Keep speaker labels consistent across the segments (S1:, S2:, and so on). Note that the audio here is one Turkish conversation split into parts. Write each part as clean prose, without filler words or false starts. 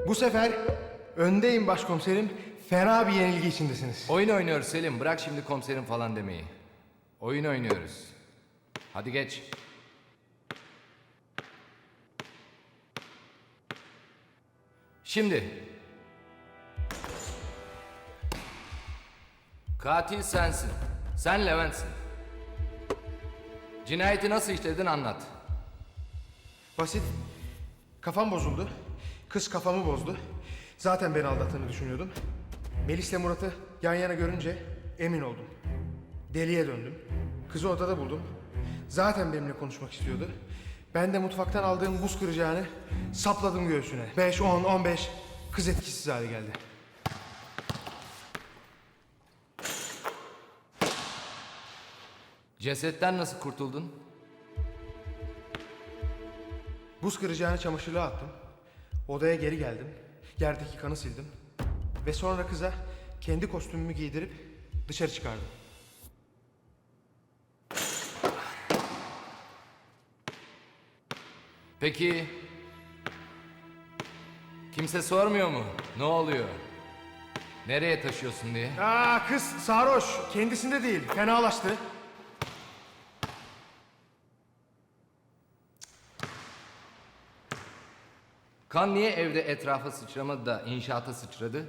S1: Bu sefer öndeyim başkomiserim. Fena bir yenilgi içindesiniz.
S2: Oyun oynuyoruz Selim. Bırak şimdi komiserim falan demeyi. Oyun oynuyoruz. Hadi geç. Şimdi. Katil sensin. Sen Levent'sin. Cinayeti nasıl işledin anlat.
S1: Basit. Kafam bozuldu. Kız kafamı bozdu. Zaten beni aldattığını düşünüyordum. Melis'le Murat'ı yan yana görünce emin oldum. Deliye döndüm. Kızı odada buldum. Zaten benimle konuşmak istiyordu. Ben de mutfaktan aldığım buz kıracağını sapladım göğsüne. 5, 10, 15. Kız etkisiz hale geldi.
S2: Cesetten nasıl kurtuldun?
S1: Buz kıracağını çamaşırlığa attım. Odaya geri geldim. Yerdeki kanı sildim. Ve sonra kıza kendi kostümümü giydirip dışarı çıkardım.
S2: Peki... Kimse sormuyor mu? Ne oluyor? Nereye taşıyorsun diye?
S1: Kız sarhoş. Kendisinde değil. Fenalaştı.
S2: Kan niye evde etrafa sıçramadı da inşaata sıçradı?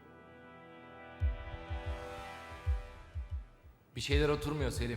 S2: Bir şeyler oturmuyor Selim.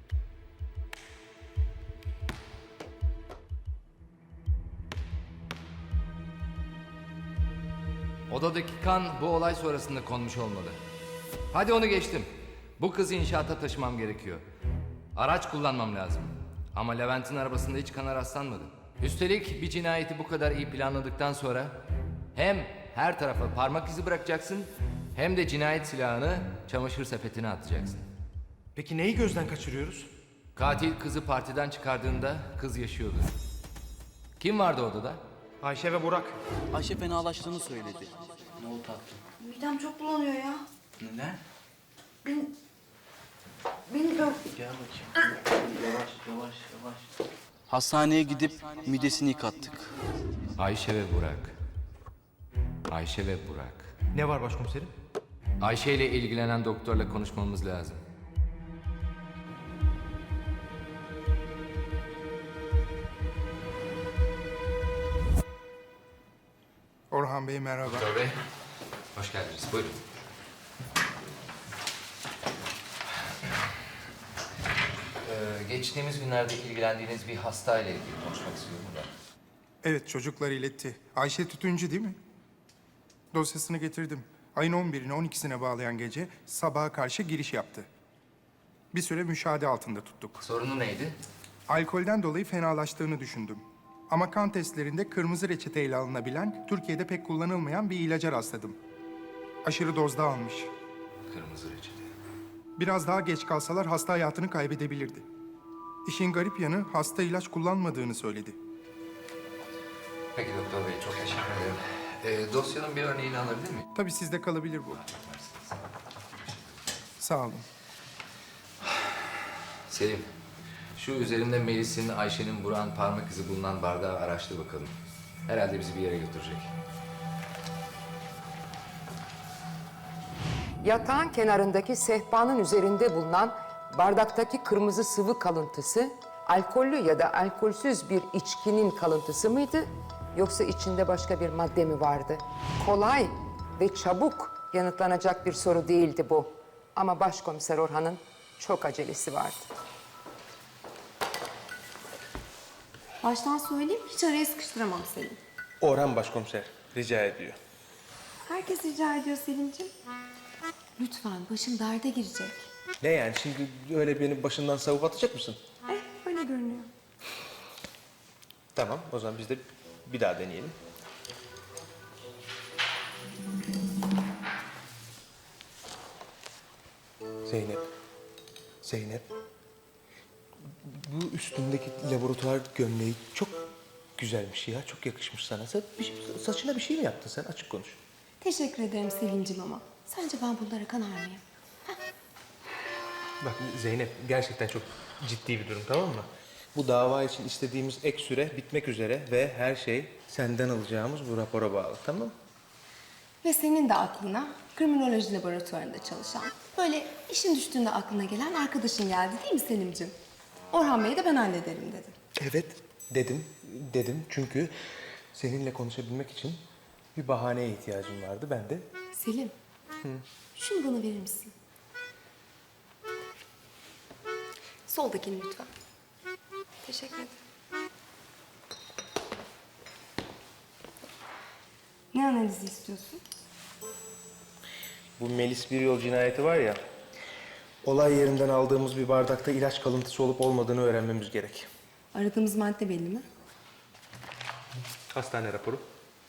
S2: Odadaki kan bu olay sonrasında konmuş olmalı. Hadi onu geçtim. Bu kızı inşaata taşımam gerekiyor. Araç kullanmam lazım. Ama Levent'in arabasında hiç kana rastlanmadı. Üstelik bir cinayeti bu kadar iyi planladıktan sonra hem her tarafa parmak izi bırakacaksın hem de cinayet silahını çamaşır sepetine atacaksın.
S1: Peki neyi gözden kaçırıyoruz?
S2: Katil kızı partiden çıkardığında kız yaşıyordu. Kim vardı odada?
S1: Ayşe ve Burak.
S3: Ayşe fenalaştığını söyledi. Ne oldu tatlım?
S4: Midem çok bulanıyor ya.
S3: Neden?
S4: Bilmiyorum.
S3: Gel bakayım. Yavaş yavaş yavaş. Hastaneye gidip midesini yıkattık.
S2: Ayşe ve Burak. Ayşe ve Burak.
S1: Ne var başkomiserim?
S2: Ayşe ile ilgilenen doktorla konuşmamız lazım.
S5: Orhan Bey merhaba.
S2: Doktor Bey, hoş geldiniz. Buyurun. Geçtiğimiz günlerde ilgilendiğiniz bir hastayla ilgili konuşmak istiyorum da.
S5: Evet çocuklar iletti. Ayşe Tütüncü değil mi? Dosyasını getirdim. Ayın 11'ine 12'sine bağlayan gece sabaha karşı giriş yaptı. Bir süre müşahede altında tuttuk.
S2: Sorunu neydi?
S5: Alkolden dolayı fenalaştığını düşündüm. Ama kan testlerinde kırmızı reçeteyle alınabilen, Türkiye'de pek kullanılmayan bir ilaca rastladım. Aşırı dozda almış.
S2: Kırmızı reçete.
S5: Biraz daha geç kalsalar hasta hayatını kaybedebilirdi. İşin garip yanı hasta ilaç kullanmadığını söyledi.
S2: Peki doktor bey, çok teşekkür ederim. Dosyanın bir örneğini alabilir miyim?
S5: Tabii sizde kalabilir bu. Sağ olun.
S2: Selim, şu üzerinde Melis'in, Ayşe'nin, Burak'ın parmak izi bulunan bardağı araştır bakalım. Herhalde bizi bir yere götürecek.
S6: Yatağın kenarındaki sehpanın üzerinde bulunan bardaktaki kırmızı sıvı kalıntısı alkollü ya da alkolsüz bir içkinin kalıntısı mıydı yoksa içinde başka bir madde mi vardı? Kolay ve çabuk yanıtlanacak bir soru değildi bu. Ama Başkomiser Orhan'ın çok acelesi vardı.
S4: Baştan söyleyeyim, hiç araya sıkıştıramam Selim.
S7: Orhan Başkomiser rica ediyor.
S4: Herkes rica ediyor Selimciğim. Lütfen, başım derde girecek.
S7: Ne yani şimdi öyle beni başından savup atacak mısın?
S4: Öyle görünüyor.
S7: Tamam o zaman biz de bir daha deneyelim. Zeynep. Zeynep. Bu üstündeki laboratuvar gömleği çok güzelmiş ya. Çok yakışmış sana. Sen saçına bir şey mi yaptın sen? Açık konuş.
S4: Teşekkür ederim Selimciğim ama sence ben bunlara kanar mıyım?
S7: Bak Zeynep gerçekten çok ciddi bir durum tamam mı? Bu dava için istediğimiz ek süre bitmek üzere ve her şey senden alacağımız bu rapora bağlı, tamam mı?
S4: Ve senin de aklına kriminoloji laboratuvarında çalışan, böyle işin düştüğünde aklına gelen arkadaşın geldi değil mi Selim'ciğim? Orhan Bey'i de ben hallederim dedim.
S7: Evet, dedim çünkü seninle konuşabilmek için bir bahaneye ihtiyacım vardı. Ben de
S4: Selim, şunu bana verir misin? Soldakini lütfen. Teşekkür ederim. Ne analizi istiyorsun?
S7: bu Melis Biryol cinayeti var ya, olay yerinden aldığımız bir bardakta ilaç kalıntısı olup olmadığını öğrenmemiz gerek.
S4: Aradığımız madde belli mi?
S7: Hastane raporu.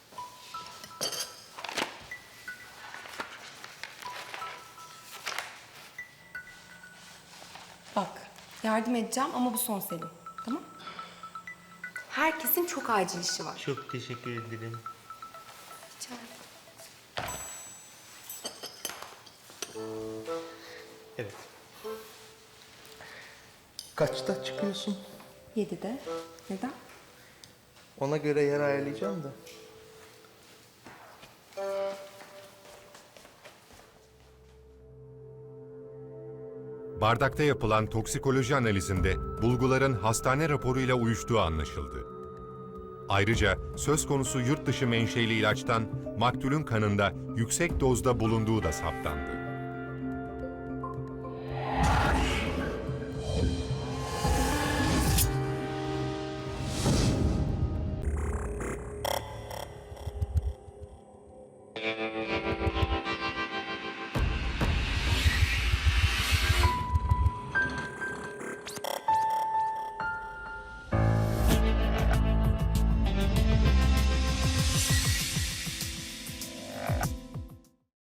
S4: Bak, yardım edeceğim ama bu son Selim. Tamam? Herkesin çok acil işi var.
S7: Çok teşekkür ederim.
S4: Rica ederim.
S7: Evet. Kaçta çıkıyorsun?
S4: 7'de. Neden?
S7: Ona göre yer ayarlayacağım da.
S8: Bardakta yapılan toksikoloji analizinde bulguların hastane raporuyla uyuştuğu anlaşıldı. Ayrıca söz konusu yurt dışı menşeli ilaçtan maktulün kanında yüksek dozda bulunduğu da saptandı.